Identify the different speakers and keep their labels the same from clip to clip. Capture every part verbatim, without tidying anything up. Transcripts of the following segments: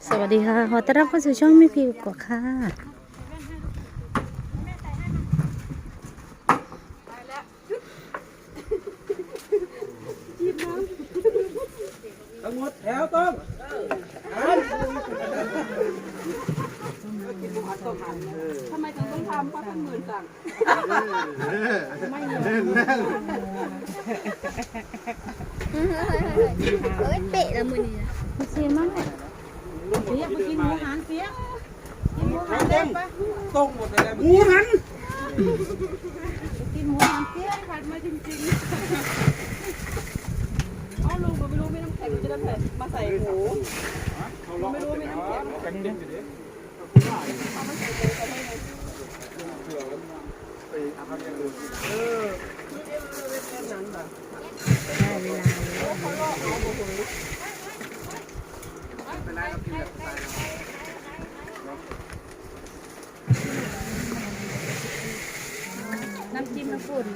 Speaker 1: สวัสดีค่ะขอต้อนรับเข้าสู่ช่องแม่พิวกว่าค่ะ
Speaker 2: ทั้งหมดแถวต้อง
Speaker 3: ทำไมถึงต้องทำเพราะท่านหมื่นสั่งไม่เย
Speaker 4: เอ้ยเปะละมือนี่นะ
Speaker 1: เสียมั้งเนี่ย
Speaker 3: เสียไปกินหมูหันเสียกินหมูหันเล่นไป
Speaker 2: ต้องหมดเลยหมูหัน
Speaker 3: กินหมูหันเสียผัดมาจริงๆอ๋อลุงก็ไม่รู้ไม่น้ำแข็งจะได้แผ่มาใส่หมูไม่รู้ไม่น้ำแข็งเอามาใส่หมูเขาไม่เลย
Speaker 1: ได้เวลาน้ำจิ้มน้ำปุ่น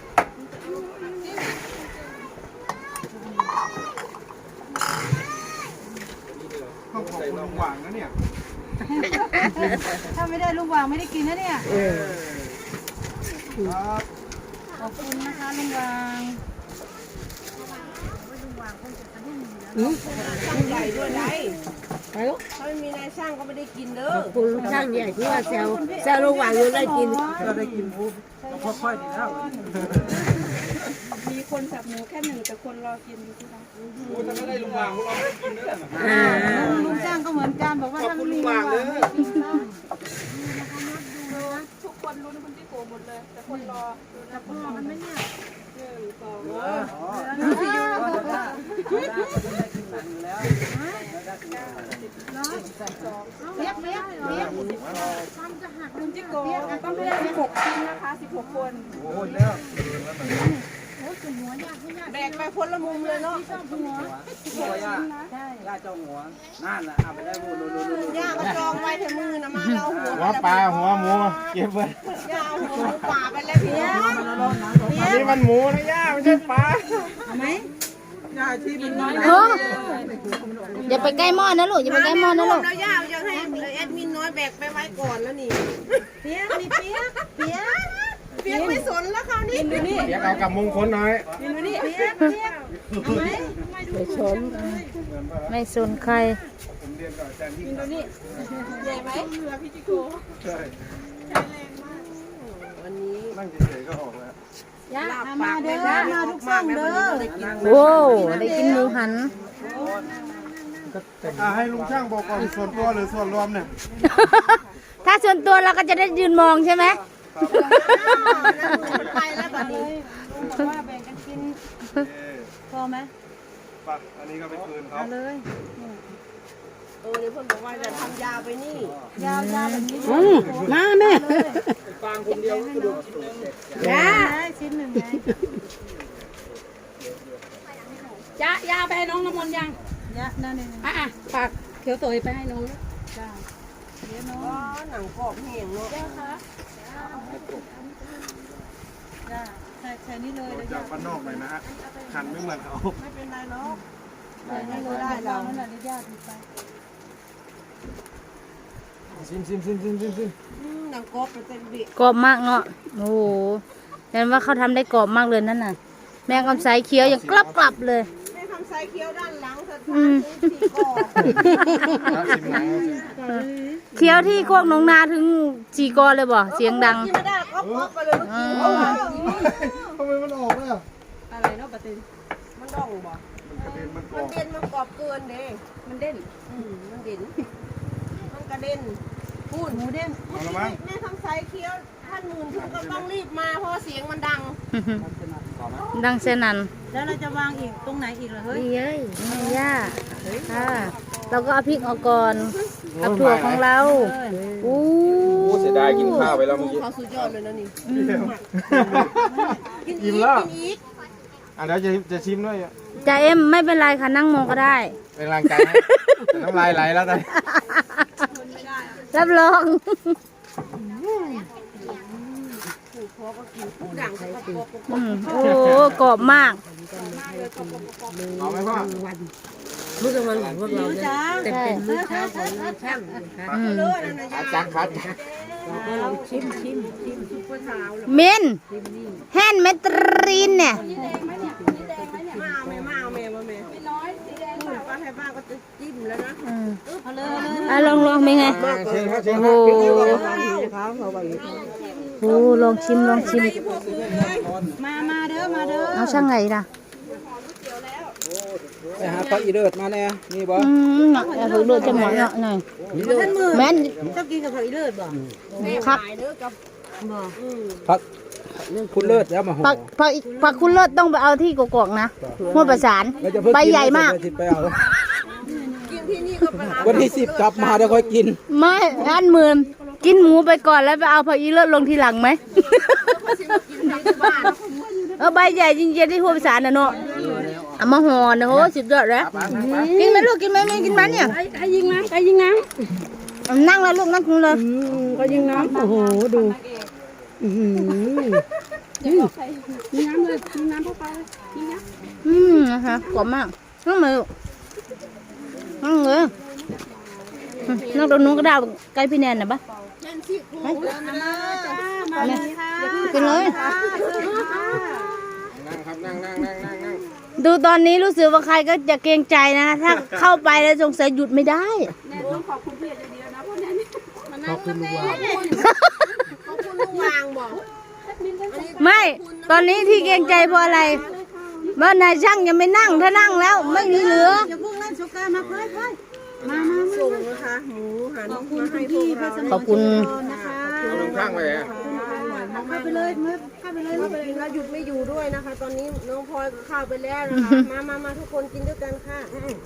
Speaker 2: ต้องขอบคุณลุงหว่างนะเนี่ย
Speaker 3: ถ้าไม่ได้ลุงวางไม่ได้กินนะเนี่ย
Speaker 2: ครับ
Speaker 3: ขอบคุณนะคะลุงวางช่างใหญ่ด้วยไรถ้าไม่มีนายช่างก็ไม่ได้กินเด้อ
Speaker 4: คุณช่างใหญ่ที่ว่าแซวแซวระหว่างอยู่ได้กิน
Speaker 2: เราได้กินหมูต้องค่อยๆดีแล้ว
Speaker 3: มีคนสับหมูแค่หนึ่งแต่คนรอกินอยู่ที่ร้าน
Speaker 2: หมูถ้าไม่ได้ลุงหว่างเราไม่ได้กินเด้อ
Speaker 4: อ่า
Speaker 3: ลุงจ้างก็เหมือนกันบอกว่า
Speaker 2: ขอบ
Speaker 3: ถ้า
Speaker 2: คุณ
Speaker 3: ไม่
Speaker 2: ลุ
Speaker 3: มี
Speaker 2: งห
Speaker 3: ลุ
Speaker 2: ว่าง
Speaker 3: ง
Speaker 2: เล
Speaker 3: วาง
Speaker 2: ย
Speaker 3: ไม่กินข้าวทุกคนรู้นะคุณที่โกหมดเลย แต่คนรอแต่พ่อมันไม่เนี่ยหนึ่งสอง
Speaker 2: อ๋อที่อยู่ได้ได้กินหนังอยู่แล้ว
Speaker 3: เปียกเปียกเปียกลุงจิโกต้องให้ได้สิบหกชิ้นนะคะสิบหกคน
Speaker 2: โอ้ยแล้ว
Speaker 3: แบกไปคนละมุมเลยเนาะ
Speaker 2: หัวย่าย่าเจ้าหัวนั่นแหละเอาไปได้หมดเลย
Speaker 3: ย่าก็จองไว้เถอะมือนะมาเราหัว
Speaker 5: หัวปลาหัวหมูเก็บไว้
Speaker 3: ย่าเอาหัวหมูป่าไปแล้วเปียก
Speaker 5: อันนี้มันหมูนะย่าไม่ใช่ปลา
Speaker 2: ย่าที่มันน้อย
Speaker 1: โอ้อย่าไปใกล้หม้อนะลูกอย่าไปใกล้หม้อนะลูก
Speaker 3: แล้วย่ายังให้แอดมินน้อยแบกไปไว้ก่อนแล้วนี่เปียกนี่เปียกเปียกเปียกไม่สนแล้วคราวนี้ดูนี่
Speaker 5: เดี๋ยวเอากับมงคลหน่อย
Speaker 3: ดูนี่เปียกเปียกเอาไหม
Speaker 1: ไม่ชนไม่สนใคร
Speaker 2: ผมเรียนกับอาจารย์ที่
Speaker 3: ดูนี่ใหญ่ไหมเรือพี่จิโก
Speaker 2: ใช่
Speaker 3: วันนี้
Speaker 2: นั่งเฉยๆก็ออกแล้ว
Speaker 3: ย่ามาเด้อมาทุกช่องเด้อ
Speaker 1: โว้ได้กินหมูหัน
Speaker 5: อ่าให้ลุงช่างบอกก่อนส่วนตัวหรือส่วนรวมเนี่ย
Speaker 1: ถ้าส่วนตัวเราก็จะได้ยืนมองใช่ไหม
Speaker 3: ไปแล้วบัดนี้ว่าแบ่งกันกินพอไหม
Speaker 2: ปักอันนี้ก็ไปคืนเขา
Speaker 3: เลย เออเดี๋ยวเพิ่นบอกว่าจะทำยาวไปนี่ ยาวยาวแบบนี้
Speaker 1: อืมมาแม่
Speaker 2: ฟางคนเดียวกระดูก
Speaker 1: จ้า
Speaker 3: ชิ้นหนึ่งไงจ้ายาไปให้น้องน้ำมนต์ยังยานั่นเองอ่ะอ่ะฝากเขียวตัวไปให้น้องจ้าเดี๋ยวน้องหนังกรอบแห้งเนาะจ้าคะจ้าใส่ใส่นี่เลยเดี๋ยว
Speaker 5: จากบ้านนอกหน่อยนะฮะขันไม่เหมือนเขา
Speaker 3: ไม่เป็นไรเนาะได้ไม่รู้ได้เรานั่นแหละญาติไป
Speaker 5: ซิมซิมซิมซิมซิมซิม
Speaker 3: หนังกรอบเป็นเต็มบิ
Speaker 1: กรอบมากเนาะโอ้โหเห็นว่าเขาทำได้กรอบมากเลยนั่นน่ะ แมงคำไสเคี้ยวยังกลับกลับเลย
Speaker 3: ให้ทำไซเคี้ยวด้านหลังเธอทานถึงสี่กรอบ
Speaker 5: ซิมหนังซิม
Speaker 1: เคี้ยวที่โคกหนองนาถึงจีกอเลยบ่เสียงดัง
Speaker 3: กินไม่ได้ก็กรอบไปเลยเมื่อกี้
Speaker 5: ทำไมมันออกแล้ว
Speaker 3: อะไรเนาะปะตินมันด่องบ่
Speaker 5: มันกระเด็นมันกร
Speaker 3: มั
Speaker 5: อน บ
Speaker 3: เด่นมันกรอบเกินเด้มันเด่นอืมมันเด่นมันกระเด็นพูดหมูเด่น
Speaker 5: เอาละมั้ง
Speaker 3: แม่ทำไซเคี้ยวท่านหมื่นถึงก็ต้องรีบมาเพราะเสียงมันดัง
Speaker 1: ดังเสนัน
Speaker 3: แล้วเราจะวางอีกตรงไหนอีกล่ะเฮ้ย
Speaker 1: นี่เอ้ยนี่ย่าค่ะเราก็เอาพริกออกก่อนเอาถั่วของเราอู้
Speaker 5: เสียดายกินข้าวไปแล้วเมื่อกี้
Speaker 3: เขาสุดยอดเลยนะนี่กินอี
Speaker 5: อิ่
Speaker 3: ก
Speaker 5: มแล้ว
Speaker 3: กินอีก
Speaker 5: อ่ะเดี๋ยวจะจะชิมด้วย
Speaker 1: จ่าเอ็มไม่เป็นไรค่ะนั่งมองก็ได้
Speaker 5: เป็นกำลังใจให้แต่น้ำลายไหลแล้วตอนนี้
Speaker 1: รับรอง
Speaker 3: ผู้ดังเขาก็กรอบ
Speaker 1: อืมโอ้กรอบมาก
Speaker 5: เอาไหมพ่อ
Speaker 4: มื้อกลางวันของพวกเรานะแต่เป็นมื้อเช้าของนายช่างนะคะ
Speaker 1: อืม
Speaker 5: อาจารย์ครับ
Speaker 4: เราก็ลองชิมชิมชิมซุปเปอร์เช้าแล้ว
Speaker 1: เมนแฮนด์เมตรีนเนี่ย
Speaker 3: มาเอาแม่มาเอาแม่มาแม่ไม่น้อยสีแดงป้าให้ป้าก็จะจิ้มแล้วนะ
Speaker 1: อืม
Speaker 3: เอาเลยเอาเลย
Speaker 1: อ่ะลองลองเป็นไง
Speaker 5: เชิญครับเชิญ
Speaker 1: โอ้
Speaker 5: ครั
Speaker 1: โห
Speaker 5: บ
Speaker 1: โอ้ลองชิมลองชิม
Speaker 3: มามาเด้อมาเด้อ
Speaker 1: เอาช่างไงล่ะ
Speaker 2: ไปหาพระอีเลิศมาแน่นี่บ่
Speaker 1: อืมหนักเอาฝึกดูจะหมอนเนาะหน่อยแม่น
Speaker 4: เจ้ากินกับผักอีเลิศบ่
Speaker 1: คัก
Speaker 4: บ่
Speaker 2: พักคุณเลิศแล้วมาห่อ
Speaker 1: ผักผักผักคุณเลิศต้องไปเอาที่กกอกนะหัวประสาน
Speaker 2: แล้วจะเพิ่ง
Speaker 1: ใบใหญ่มาก
Speaker 2: กินไปเอาวันที่สิบกลับมาเดี๋ยวค่อยกิน
Speaker 1: ไม่อันหมื่นกินหมูไปก่อนแล้วไปเอาผักอีเลิศลงทีหลังไหม เออใบใหญ่จริงๆที่หัวประสานนะเนาะเอามาห่อนะโหสุดยอดแล้วกินไหมลูกกินไหมไม่กินมันเนี่ย
Speaker 3: ใครใครยิงน้ำใครยิงน้
Speaker 1: เอานั่งแล้วลูกนั่งเลย
Speaker 3: ำก็ยิงน้ำโอ้โหดูยิงน้ำเลยยิงน้ำเข้าไปยิงน้ำ
Speaker 1: อืมนะคะกรอบมากนั่งเลยลูกนั่งเลยอืมนั่งตรงนู้นก็ได้ใกล้พี่แนนนะปะไปเนี่ยกินเลย
Speaker 5: นั่งครับนั่งนั่งนั่งนั่งนั่ง
Speaker 1: ดูตอนนี้รู้สึกว่าใครก็จะเกรงใจนะ ถ้าเข้าไปแล้วสงสัยหยุดไม่ได้
Speaker 3: ขอบคุณเพื่อนเดียวนะพวกนี้
Speaker 2: ขอบคุณลุงวาง
Speaker 4: วางบ่
Speaker 1: ไม่ ตอนนี้ที่เกรงใจเพราะอะไรว่านายช่างยังไม่นั่งถ้านั่งแล้วไม่มีเหลือ
Speaker 3: อย่าเพิ่งเล่นโชกามาเพื่อนเพื่อนมามา
Speaker 4: ส่งนะคะหมูหันมาให้พวกเรา
Speaker 1: ขอบคุณ
Speaker 3: นะคะ
Speaker 5: เอาลงข้างไปเลยอะ
Speaker 3: เข้าไปเลยมาเข้าไปเลย
Speaker 4: เข้าไปกินแล้วหยุดไม่อยู่ด้วยนะคะ ตอนนี้น้องพลอยเข้าไปแล้วนะคะ มามามาทุกคนกินด้วยกันค่ะ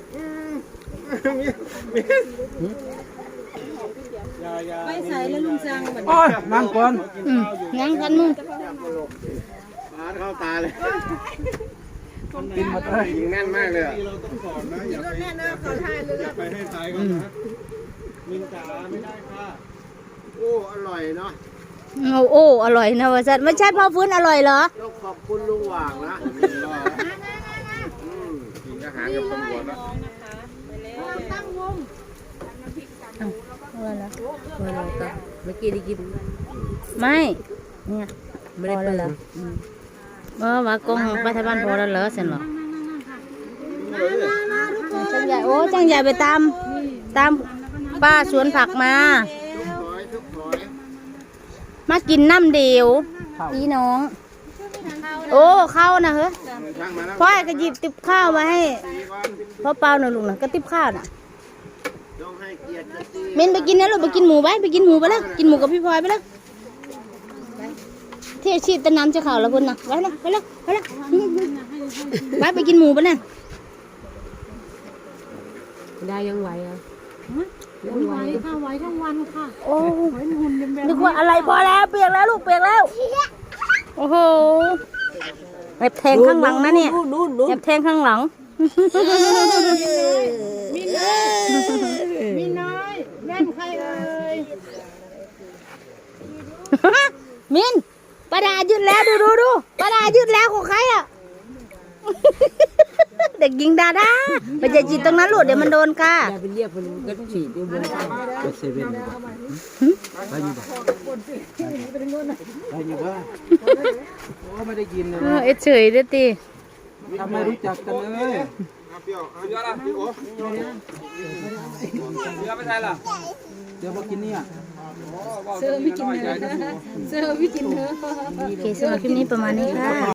Speaker 3: ไปใส่แล้วลุงจังเหมือน
Speaker 2: โอ้ยนั่งก่อน
Speaker 1: อืมนั่งกันมึง
Speaker 5: ปาดเข้าตาเลย
Speaker 2: กินหมดเลย
Speaker 5: ยิงแน่นมากเลยอะ
Speaker 4: รถแน่นอนขอทายเลย
Speaker 5: ไปให้ทายก่อนนะมินจ๋าไม่ได้ค่ะโอ้อร่อยเนาะ
Speaker 1: เอาโอ้อร่อยนะวะจัดไม่ใช่พ่อฟื้นอร่อยเหรอ
Speaker 5: ต้องขอบคุณลุงหว่างนะอืมกินอาหารกับตำรวจแล้ว
Speaker 1: เอาอะไรล่ะ
Speaker 4: เมื่อกี้ได้กิน
Speaker 1: ไม่เนี่ย
Speaker 4: ไม่ได้เปิด
Speaker 1: เออว่ากงไปทางบ้านพอแล้วเหรอเสร็จหรอจังใหญ่โอ้จังใหญ่ไปตามตามป้าสวนผักมา มากินน้ำเดียวพี่น้อง โอ้ข้าวนะเฮ้ย
Speaker 5: ช่างมาแล้ว
Speaker 1: พ่อก็หยิบติบข้าวมาให้พ่อเปล่าหน่อยลูกนะก็ติบข้าวน่ะ
Speaker 5: ต้องให้เกียรติกันสิ
Speaker 1: เมนไปกินนะลูกไปกินหมูไปไปกินหมูไปแล้วกินหมูกับพี่พลอยไปแล้วเที่ยวชีพตะน้ำจะข่าวแล้วพุ่นนะไปแล้วไปแล้วไปแล้วไปไปกินหมูไปน่ะ
Speaker 4: ได้ยังไหวอ่ะ
Speaker 3: ไหวค่ะไหวทั้งวันค่ะ
Speaker 1: โอ้นึกว่าอะไรพอแล้วเปียกแล้วลูกเปียกแล้วโอ้โหแอบแทงข้างหลังนะเนี่ย
Speaker 4: นู่นนู่นนู่น
Speaker 1: แอบแทงข้างหลัง
Speaker 3: มีน้อยแม่นใครเอ่ย
Speaker 1: มินประดายืดแล้วดูดูดูประดายืดแล้วของใครอ่ะ เด็กหญิงดาดาไปจะจีบตรงนั้นลูกเดี๋ยวมันโดนกา
Speaker 4: อย่าไปเรียกมันก็ฉีดอยู่บน
Speaker 2: ไปเซเว่นไปอยู่บ่ไปอยู่บ่โอ้ไม่ได้กินเลย
Speaker 1: เออเอ็ดเฉยเด้อตี
Speaker 2: ทำไมรู้จักกันเลย
Speaker 5: เปรี้ยวเอาเยอะละพี่โอ้
Speaker 2: เดี๋ยวไปใช่ล่ะเดี๋ยวมากินเนี่ย
Speaker 3: เซอร์ไม่กินเนื้อเซอร์ไม่กินเนื้อ
Speaker 1: โอเคสำหรับคลิปนี้ประมาณนี้ค่ะ